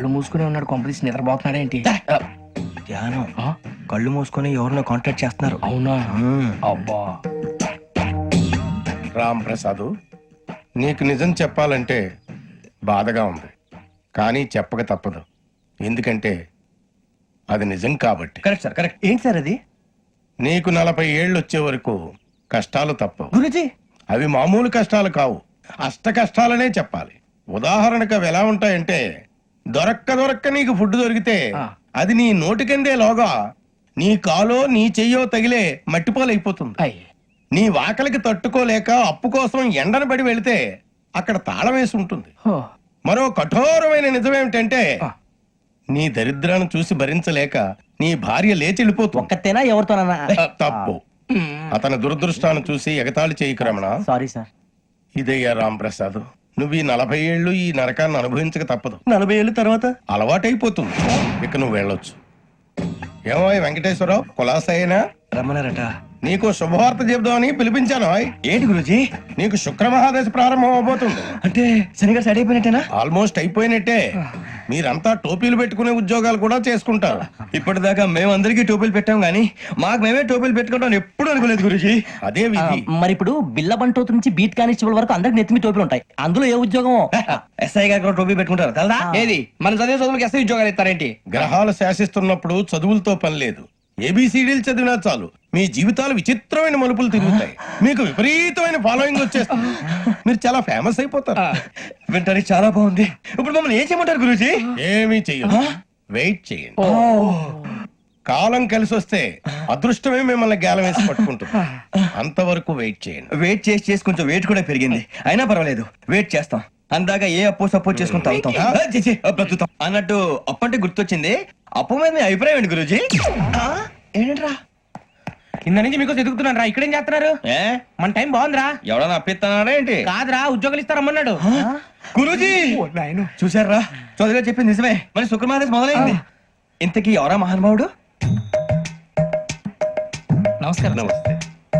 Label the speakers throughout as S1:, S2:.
S1: కళ్ళు మూసుకునే ఉన్నాడు, కొంపదీసి నిద్రపోతున్నాడేంటి?
S2: ధ్యానం. కళ్ళు మూసుకొని ఎవరినో కాంటాక్ట్ చేస్తున్నారు.
S1: అవునా? అబ్బా.
S3: రామ్ ప్రసాద్, నీకు నిజం చెప్పాలంటే బాధగా ఉంది, కానీ చెప్పక తప్పదు. ఎందుకంటే అది నిజం కాబట్టి.
S2: Correct sir, correct. ఏంటి సార్ అది?
S3: నీకు 40 ఏళ్ళు వచ్చే వరకు కష్టాలు తప్పవు.
S2: గురుజీ,
S3: అవి మామూలు కష్టాలు కావు, అష్ట కష్టాలనే చెప్పాలి. ఉదాహరణకు అవి ఎలా ఉంటాయంటే, దొరక్క నీకు ఫుడ్ దొరికితే అది నీ నోటికందే లోగా నీ కాలో నీ చెయ్యో తగిలే మట్టిపాలైపోతుంది. నీ వాకలికి తట్టుకోలేక అప్పు కోసం ఎండను పడి వెళితే అక్కడ తాళం వేసి ఉంటుంది. మరో కఠోరమైన నిజమేమిటంటే, నీ దరిద్రాన్ని చూసి భరించలేక నీ భార్య లేచి వెళ్ళిపోతుంది.
S2: ఒక్కతేనా ఎవరితోనన్నా?
S3: తప్పు. అతని దురదృష్టాన్ని చూసి ఎగతాళి చేయకు రమణ.
S2: Sorry sir.
S3: ఇదయ్యా రాంప్రసాద్, నువ్వు ఈ 40 ఏళ్ళు ఈ నరకాన్ని అనుభవించక తప్పదు.
S2: 40 ఏళ్ళ తర్వాత
S3: అలవాటైపోతుంది. ఇక నువ్వు వెళ్ళొచ్చు. ఏమో వెంకటేశ్వరరావు, కులాసైనా
S2: రమ్మన్నారట.
S3: నీకు శుభవార్త చెబుదామని పిలిపించాను.
S2: ఏంటి గురుజీ?
S3: నీకు శుక్రమహాదశ ప్రారంభం అవబోతుంది.
S2: అంటే శనిగా సెట్ అయిపోయినట్టేనా?
S3: ఆల్మోస్ట్ అయిపోయినట్టే. మీరంతా టోపీలు పెట్టుకునే ఉద్యోగాలు కూడా చేసుకుంటారు.
S2: ఇప్పటిదాకా మేమందరికీ టోపీలు పెట్టాం గానీ మాకు మేమే టోపీలు పెట్టుకుంటాం ఎప్పుడు అనుకోలేదు గురుజీ.
S3: అదే విధి.
S4: మరి ఇప్పుడు బిల్ల బంటోతు నుంచి బీట్ కానిస్టేబుల్ వరకు అందరికి నెత్తిమి టోపీలు ఉంటాయి. అందులో ఏ ఉద్యోగం?
S2: ఎస్ఐ గారు కూడా టోపీ పెట్టుకుంటారు తెలదా?
S1: ఏది మన చదివే చదువులకు ఎస్ఐ ఉద్యోగాలు ఇస్తారేంటి?
S3: గ్రహాలు శాసిస్తున్నప్పుడు చదువులతో పని లేదు. ఏబిసిడీలు చదివినా చాలు మీ జీవితాలు విచిత్రమైన మలుపులు తిరుగుతాయి. మీకు విపరీతమైన ఫాలోయింగ్ వచ్చేస్తుంది. మీరు చాలా ఫేమస్ అయిపోతారు.
S2: వింటానికి చాలా బాగుంది. ఇప్పుడు మమ్మల్ని ఏం చేయమంటారు గురూజీ?
S3: ఏమీ చెయ్యదు, వెయిట్ చేయండి. కాలం కలిసి వస్తే అదృష్టమే మిమ్మల్ని గేలం వేసి పట్టుకుంటుంది. అంతవరకు వెయిట్ చేయండి.
S2: వెయిట్ చేసి కొంచెం వెయిట్ కూడా పెరిగింది. అయినా పర్వాలేదు, వెయిట్ చేస్తాం. అందాక ఏ అప్పు సపోర్ట్ చేసుకుని తాగుతాం. బ్రతుకుతాం అన్నట్టు అప్పు అంటే గుర్తొచ్చింది. అప్పు మీద మీ అభిప్రాయం ఏంటి గురూజీ? ఏంటరా
S1: కింద నుంచి మీకు ఎదుగుతున్నాను రా. ఇక్కడేం చేస్తున్నారు? మన టైం బాగుందిరా.
S2: ఎవడన్నా అప్పిస్తున్నాడా ఏంటి?
S1: కాదురా, ఉద్యోగాలు ఇస్తారమ్మన్నాడు.
S2: గురూజీ చూసారా, చౌదరిగా చెప్పింది నిజమే. మరి శుక్రమాదేశ్ మొదలైంది. ఇంతకీ ఎవరా మహానుభావుడు?
S1: నమస్కారం.
S3: నమస్తే.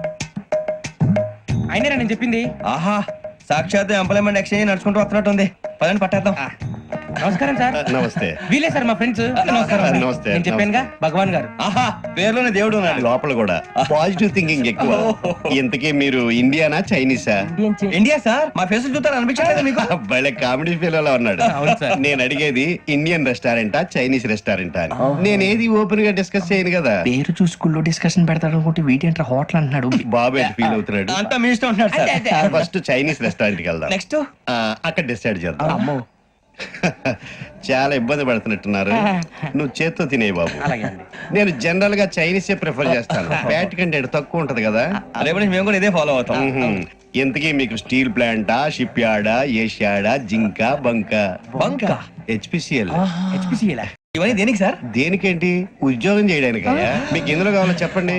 S1: అయినరా నేను చెప్పింది?
S2: ఆహా, సాక్షాత్ ఎంప్లాయ్మెంట్ ఎక్స్చేంజ్ నడుచుకుంటూ వస్తున్నట్టు ఉంది. పదండి పట్టేద్దాం.
S1: నమస్కారం సార్.
S5: నమస్తే.
S1: వీలే సార్ మా ఫ్రెండ్స్. నమస్కారం సార్.
S5: నమస్తే.
S1: నేను చెప్పానుగా భగవాన్ గారు.
S2: ఆహా, పేర్లోనే దేవుడు ఉన్నాడు.
S5: లోపల కూడా పాజిటివ్ థింకింగ్ ఎక్కువ. ఇంతకీ మీరు ఇండియానా చైనీసా?
S2: India sir. మా ఫేస్ చూస్తారు అనిపించలేదు మీకు?
S5: భలే కామెడీ ఫీల్ అలా ఉన్నాడు. నేను అడిగేది ఇండియన్ రెస్టారెంటా చైనీస్ రెస్టారెంటా అని. నేను ఏది ఓపెన్ గా డిస్కస్ చేయను కదా.
S1: పేరు చూసుకుల్లో డిస్కషన్ పెడతాడు అనుకుంటే వీటేంట్రా హోటల్ అంటున్నాడు.
S5: బాబు ఎట్ ఫీల్ అవుతున్నాడు.
S2: అంతా మీ ఇష్టం ఉంటున్నారు సార్.
S5: ఫస్ట్ చైనీస్ రెస్టారెంట్ కి వెళ్దాం.
S2: నెక్స్ట్
S5: అక్కడ డిసైడ్ చేద్దాం. చాలా ఇబ్బంది పడుతున్నట్టున్నారు. నువ్వు చేత్తో తినే బాబు. నేను జనరల్ గా చైనీసే ప్రిఫర్ చేస్తాను. ఫ్యాట్ కంటెంట్ తక్కువ ఉంటది కదా.
S2: రేపు నుంచి మేము కూడా ఇదే ఫాలో అవుతాం.
S5: ఎంతకీ మీకు స్టీల్ ప్లాంటా, షిప్ యార్డా, ఏషియాడా, జింక, బంకా? హెచ్పిసిఎల్.
S2: ఇవన్నీ దేనికి సార్?
S5: దేనికేంటి? ఉద్యోగం చేయడానికి. మీకు ఎందులో కావాలో చెప్పండి.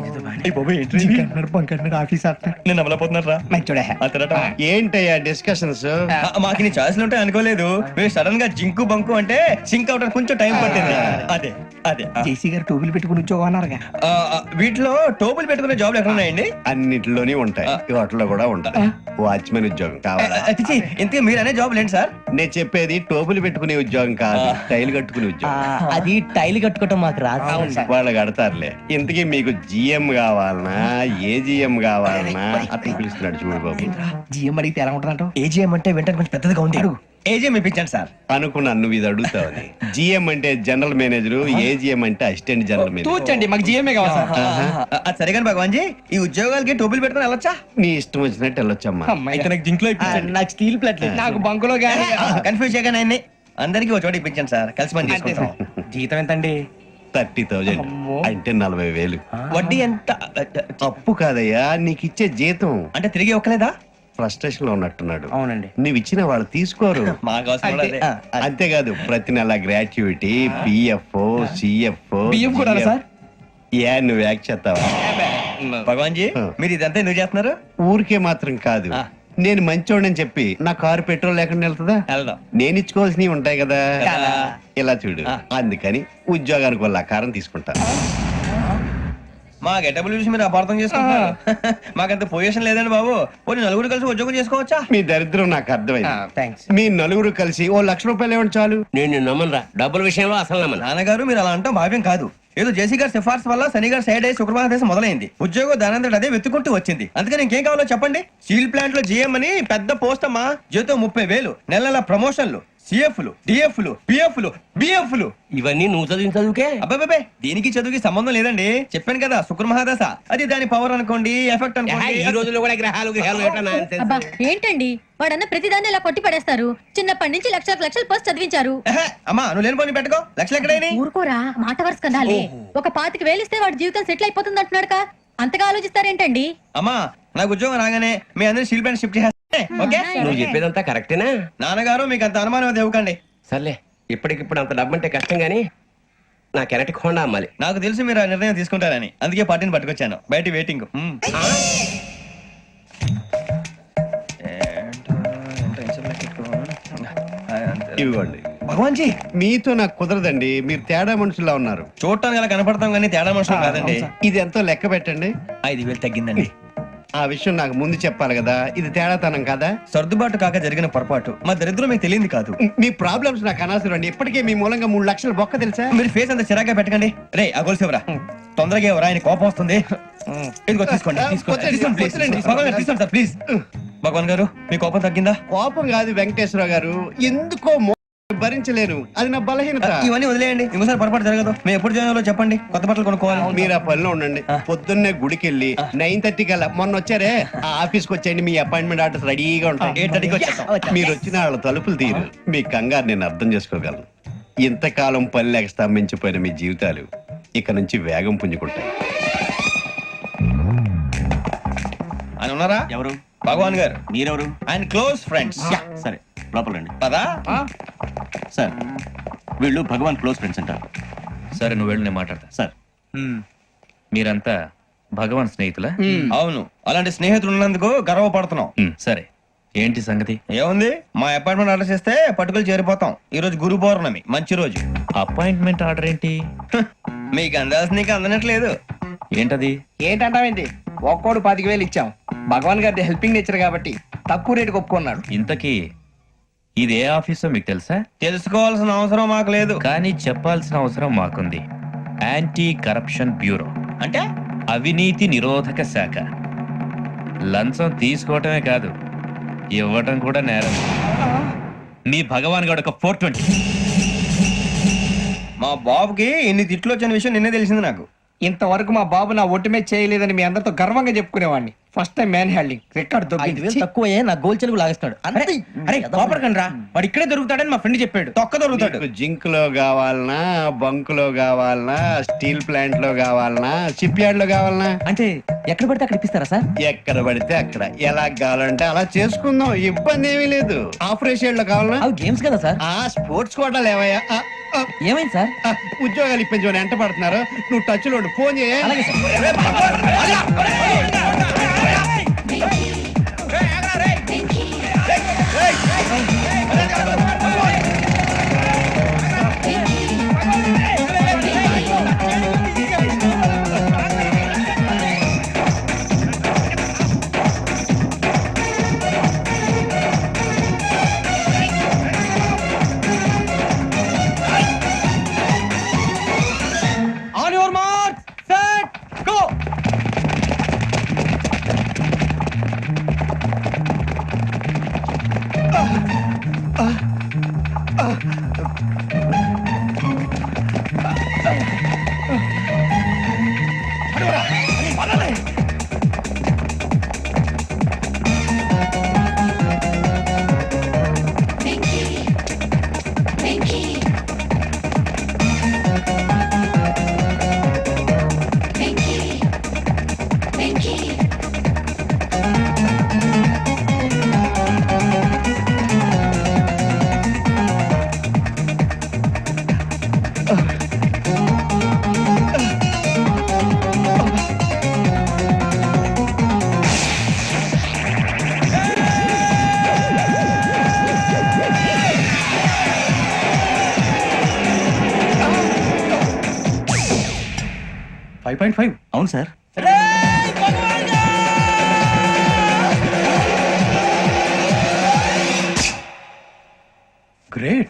S2: నేను అమలపోతున్నారా?
S5: ఏంటయ్యా డిస్కషన్స్?
S2: మాకు నీ ఛాయిస్లు ఉంటాయి అనుకోలేదు. మీరు సడన్ గా జింకు బంకు అంటే సింక్ అవడానికి కొంచెం టైం పట్టింది. అదే అదే
S1: జేసీ గారు టోపీలు పెట్టుకుని ఉద్యోగం అన్నారుగా.
S2: వీటిలో టోపులు పెట్టుకునే జాబ్లు ఎక్కడ ఉన్నాయండి?
S5: అన్నిటిలోనే ఉంటాయి, వాటిలో కూడా ఉంటాయి. వాచ్మెన్ ఉద్యోగం కావాలా?
S2: ఇంతకీ మీరు అనే జాబ్ ఏంటి సార్?
S5: నేను చెప్పేది టోపులు పెట్టుకునే ఉద్యోగం కాదు, టైల్ కట్టుకునే ఉద్యోగం.
S4: అది టైల్ కట్టుకోవటం మాకు రాదు.
S5: వాళ్ళు కడతారులే. ఇంతకీ మీకు జిఎం కావాలనా, ఏజిఎం కావాలనా? అతను పిలుస్తున్నాడు చూడు బాబు.
S1: జిఎం అడిగితే ఎలా ఉంటుందంట?
S2: ఏజీఎం అంటే వెంటనే కొంచెం పెద్దదిగా ఉంది. ఏజీఎం ఇప్పించండి సార్.
S5: అనుకున్నాను నువ్వు ఇది అడుగుతావని. జిఎం అంటే జనరల్ మేనేజర్, ఏజిఎం అంటే అసిస్టెంట్ జనరల్ మేనేజర్.
S1: తూచండి, మాకు జిఎంఏ కావాలి సార్.
S2: అది సరే కానీ భగవాన్ జీ, ఈ ఉద్యోగాలకి టోపులు పెట్టుకుని వెళ్ళొచ్చా?
S5: నీ ఇష్టం వచ్చినట్టు వెళ్ళొచ్చమ్మా.
S2: అయితే నాకు జింక్ లో
S4: నాకు స్టీల్ ప్లేట్
S1: నాకు బంకులో గానీ.
S2: కన్ఫ్యూజ్ చేయగానే ఆయన్ని అందరికీ ఒక చోట ఇప్పించండి సార్. కలిసి పని చేసుకుంటాం.
S1: జీతం ఎంతండి?
S5: 30,000 అంటే 40,000.
S2: వడ్డీ ఎంత?
S5: అప్పు కాదయ్యా, నీకు ఇచ్చే జీతం.
S2: అంటే తిరిగి ఒక్కలేదా?
S5: ఫ్రస్ట్రేషన్ లో ఉన్నట్టున్నాడు.
S1: అవునండి.
S5: నువ్వు ఇచ్చిన వాళ్ళు తీసుకోరు.
S2: మాకు అవసరం కూడా అదే.
S5: అంతేకాదు ప్రతి నెల గ్రాట్యుటీ, పిఎఫ్, సిఎఫ్.
S1: బియ్యం కూడా సార్?
S5: ఏ నువ్వు యాక్ట్ చేస్తావా?
S2: భగవాన్ జీ, మీరు ఇదంతా ఎందుకు చేస్తున్నారు?
S5: ఊరికే మాత్రం కాదు, నేను మంచోడని చెప్పి నా కారు పెట్రోల్ లేకుండా వెళ్తుందా?
S2: వెళ్దాం.
S5: నేను ఇచ్చుకోవాల్సినవి ఉంటాయి కదా. ఇలా చూడు, అందుకని ఉద్యోగానికి వాళ్ళ ఆకారం తీసుకుంటా.
S2: మా గెటబుల్ చూసి మీరు అపార్థం చేసుకుంటున్నారు. మాకంత పొజిషన్ లేదండి బాబు. పోనీ నలుగురు కలిసి ఉద్యోగం చేసుకోవచ్చా?
S5: మీ దరిద్రం నాకు అర్థమైంది.
S1: థ్యాంక్స్.
S5: మీ నలుగురు కలిసి ఓ ₹1,00,000 ఇవ్వండి చాలు.
S6: నేను నమ్మనరా, డబ్బుల విషయంలో అసలు నమ్మను.
S2: నాన్నగారు మీరు అలా అంటాం భావ్యం కాదు. ఏదో జేసీ గారి సిఫార్సు వల్ల శని గారు సైడ్ అయ్యి శుక్రవారం దేశం మొదలైంది. ఉద్యోగం దానంతటి అదే వెతుకుంటూ వచ్చింది. అందుకని ఇంకేం కావాలో చెప్పండి. స్టీల్ ప్లాంట్ లో జీఎం అని పెద్ద పోస్ట్ అమ్మా. జీతం 30,000, నెల నెల ప్రమోషన్లు, సిఎఫ్లు, డిఎఫ్లు, పిఎఫ్లు, బిఎఫ్లు.
S6: ఇవన్నీ నువ్వు చదివిన చదువుకే.
S2: అబ్బాబే దీనికి చదువుకి సంబంధం లేదండి. చెప్పాను కదా శుక్ర మహాదశ. అది దాని పవర్ అనుకోండి, ఎఫెక్ట్
S6: ఈ
S2: అనుకోండి.
S6: రోజుల్లో కూడా గ్రహాలు ఏటా nonsense.
S7: అబ్బా ఏంటండి వాడన్న ప్రతిదాన్ని ఇలా కొట్టి పడేస్తారు. చిన్నప్పటి నుంచి లక్షలకు పోస్ట్ చదివించారు.
S2: ఎహె, అమ్మా నువ్వు లేని పోనీ పెట్టుకో. లక్షలు ఎక్కడైనా
S7: ఊరుకోరా, మాట వరుస కదాలే. ఒక 25,000 ఇస్తే వాడి జీవితం సెటిల్ అయిపోతుంది అంటున్నాడు. అంతగా ఆలోచిస్తారేంటండి?
S2: అమ్మా నాకు ఉద్యోగం రాగానే మీ అందరినీ స్టీల్ ప్లాంట్ షిఫ్ట్ చేస్తే ఓకే.
S6: నువ్వు చెప్పేదంతా కరెక్టేనా?
S2: నాన్నగారు మీకు అంత అనుమానం అది ఇవ్వకండి.
S6: సర్లే, ఇప్పటికిప్పుడు అంత డబ్బు అంటే కష్టం గానీ నా కెనటిక్ హోండా అమ్మాలి.
S2: నాకు తెలుసు మీరు ఆ నిర్ణయం తీసుకుంటారని, అందుకే పార్టీని పట్టుకొచ్చాను. బయట వెయిటింగ్.
S5: ఇవ్వండి.
S2: భగవాన్ జీ
S5: మీతో నాకు కుదరదండి, మీరు తేడా మనుషుల్లా ఉన్నారు.
S2: చూడటానికి అలా కనపడతాం కానీ తేడా మనుషులు కాదండి.
S5: ఇది ఎంతో లెక్క పెట్టండి.
S2: 5,000 తగ్గిందండి.
S5: ఆ విషయం నాకు ముందు చెప్పాలి కదా, ఇది తేడాతనం కదా.
S2: సర్దుబాటు కాక జరిగిన పొరపాటు. మా దరిద్రం మీకు తెలియదు కాదు.
S5: మీ ప్రాబ్లమ్స్ నాకు అనవసరం అండి. ఇప్పటికే మీ మూలంగా 3,00,000 బొక్క తెలుసా.
S2: మీరు ఫేస్ అంత చిరాగ్గా పెట్టకండి. రే ఆ గొలుసు ఎవరా? తొందరగా ఎవరా? ఆయన కోపం వస్తుంది. ఇదిగో తీసుకోండి. తీసుకోండి ప్లీజ్. భగవాన్ గారు తీసుకోండి సార్ ప్లీజ్. భగవాన్ గారు మీ కోపం తగ్గిందా?
S5: కోపం కాదు వెంకటేశ్వర గారు, ఎందుకో భరించలేను, అది నా బలహీనత.
S2: ఇవన్నీ వదిలేయండి, ఇంకోసారి పొరపాటు జరగదు. మేము ఎప్పుడు జాయిన్ చెప్పండి, కొత్త బట్టలు కొనుక్కోవాలి.
S5: మీరు ఆ పనిలో ఉండండి. పొద్దున్నే గుడికి వెళ్ళి 9:30 కల్లా, మొన్న వచ్చారే ఆ ఆఫీస్కి వచ్చేయండి. మీ అపాయింట్మెంట్ ఆర్డర్స్ రెడీగా ఉంటాయి.
S2: 8:30కి వచ్చేస్తాం.
S5: మీరు వచ్చిన వాళ్ళ తలుపులు తీరు. మీ కంగారు నేను అర్థం చేసుకోగలను. ఇంతకాలం పని లేక స్తంభించిపోయిన మీ జీవితాలు ఇక నుంచి వేగం పుంజుకుంటాయి.
S2: ఆయన ఉన్నారా?
S8: ఎవరు?
S2: భగవాన్ గారు.
S8: మీరెవరు?
S2: ఆయన క్లోజ్ ఫ్రెండ్స్.
S8: సరే లోపల రండి.
S2: పదా
S8: సార్ వీళ్ళు భగవాన్ క్లోజ్ ఫ్రెండ్స్ అంటారు.
S9: సరే నువ్వు వెళ్ళు, నేను మాట్లాడతా.
S8: సార్
S9: మీరంతా భగవాన్ స్నేహితులా?
S2: అవును, అలాంటి స్నేహితులు ఉన్నందుకు గర్వపడుతున్నాం.
S9: సరే ఏంటి సంగతి?
S2: ఏముంది, మా అపాయింట్మెంట్ ఆర్డర్ చేస్తే పట్టుకులు చేరిపోతాం. ఈ రోజు గురు పౌర్ణమి, మంచి రోజు.
S9: అపాయింట్మెంట్ ఆర్డర్ ఏంటి?
S2: మీకు అందాల్సిన నీకు అందనట్లేదు.
S9: ఏంటది?
S1: ఏంటంటావేంటి? ఒక్కోడు 25,000 ఇచ్చాం. భగవాన్ గారి హెల్పింగ్ నేచర్ కాబట్టి తక్కువ రేటుకి ఒప్పుకున్నాడు.
S9: ఇంతకీ ఇది ఏ ఆఫీసో మీకు తెలుసా?
S2: తెలుసుకోవాల్సిన అవసరం మాకు లేదు.
S9: కానీ చెప్పాల్సిన అవసరం మాకుంది. యాంటీ కరప్షన్ బ్యూరో,
S2: అంటే
S9: అవినీతి నిరోధక శాఖ. లంచం తీసుకోవటమే కాదు, ఇవ్వటం కూడా నేరం. మీ భగవాన్ గారు ఒక 420.
S2: మా బాబుకి ఇన్ని తిట్లు వచ్చిన విషయం నిన్నే తెలిసింది నాకు.
S1: ఇంతవరకు మా బాబు నా ఒట్టుమే చేయలేదని మీ అందరితో గర్వంగా చెప్పుకునేవాడిని. First time man handing record
S4: 5,000 తక్కువే నా గోల్ చెలుగు లాగేస్తాడు.
S1: అరే కోపడకండి రా, వాడు ఇక్కడే దొరుకుతాడని మా ఫ్రెండ్ చెప్పాడు.
S2: తొక్క దొరుకుతాడు.
S5: మీకు జింక్ లో కావాలనా, బంక్ లో కావాలనా, స్టీల్ ప్లాంట్ లో కావాలనా, షిప్ యార్డ్ లో కావాలనా?
S4: అంటే ఎక్కడ పడితే అక్కడ ఇప్పిస్తారా సార్?
S5: ఎక్కడ పడితే అక్కడ, ఎలా కావాలంటే అలా చేసుకుందాం, ఇబ్బంది ఏమీ లేదు. ఆపరేషన్ లో కావాలనా?
S4: అవి గేమ్స్ కదా సార్.
S5: ఆ స్పోర్ట్స్ కోటా లేవయ్యా.
S4: ఏమైంది సార్?
S5: ఉద్యోగాలు ఇప్పించమని ఎంట పడుతున్నారు. నువ్వు టచ్ లో ఉండు, ఫోన్ చేయ.
S4: అలాగే sir.
S1: On your mark set go.
S8: అవును సార్.
S3: గ్రేట్.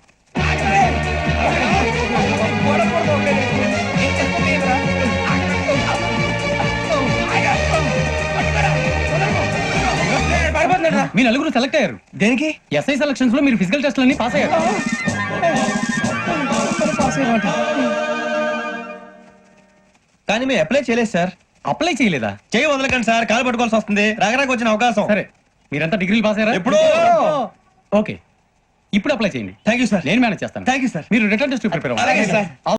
S4: మీ నలుగురు సెలెక్ట్ అయ్యారు.
S2: దేనికి?
S4: ఎస్ఐ సెలక్షన్స్ లో మీరు ఫిజికల్ టెస్ట్ అన్ని పాస్ అయ్యారు.
S2: కానీ మేము అప్లై చేయలేదు సార్.
S4: అప్లై చేయలేదా?
S2: చేయి వదలకండి సార్, కాలు పట్టుకోవాల్సి వస్తుంది. రాగరాకు వచ్చిన అవకాశం.
S4: సరే, మీరంతా డిగ్రీలు పాస్ అయ్యారా?
S2: ఎప్పుడో.
S4: ఓకే, ఇప్పుడు అప్లై చేయండి.
S2: Thank you sir.
S4: నేను మేనేజ్ చేస్తాను.
S2: Thank you sir.
S4: మీరు రిటర్న్ టెస్ట్ ప్రిపేర్
S2: అలాగే సార్.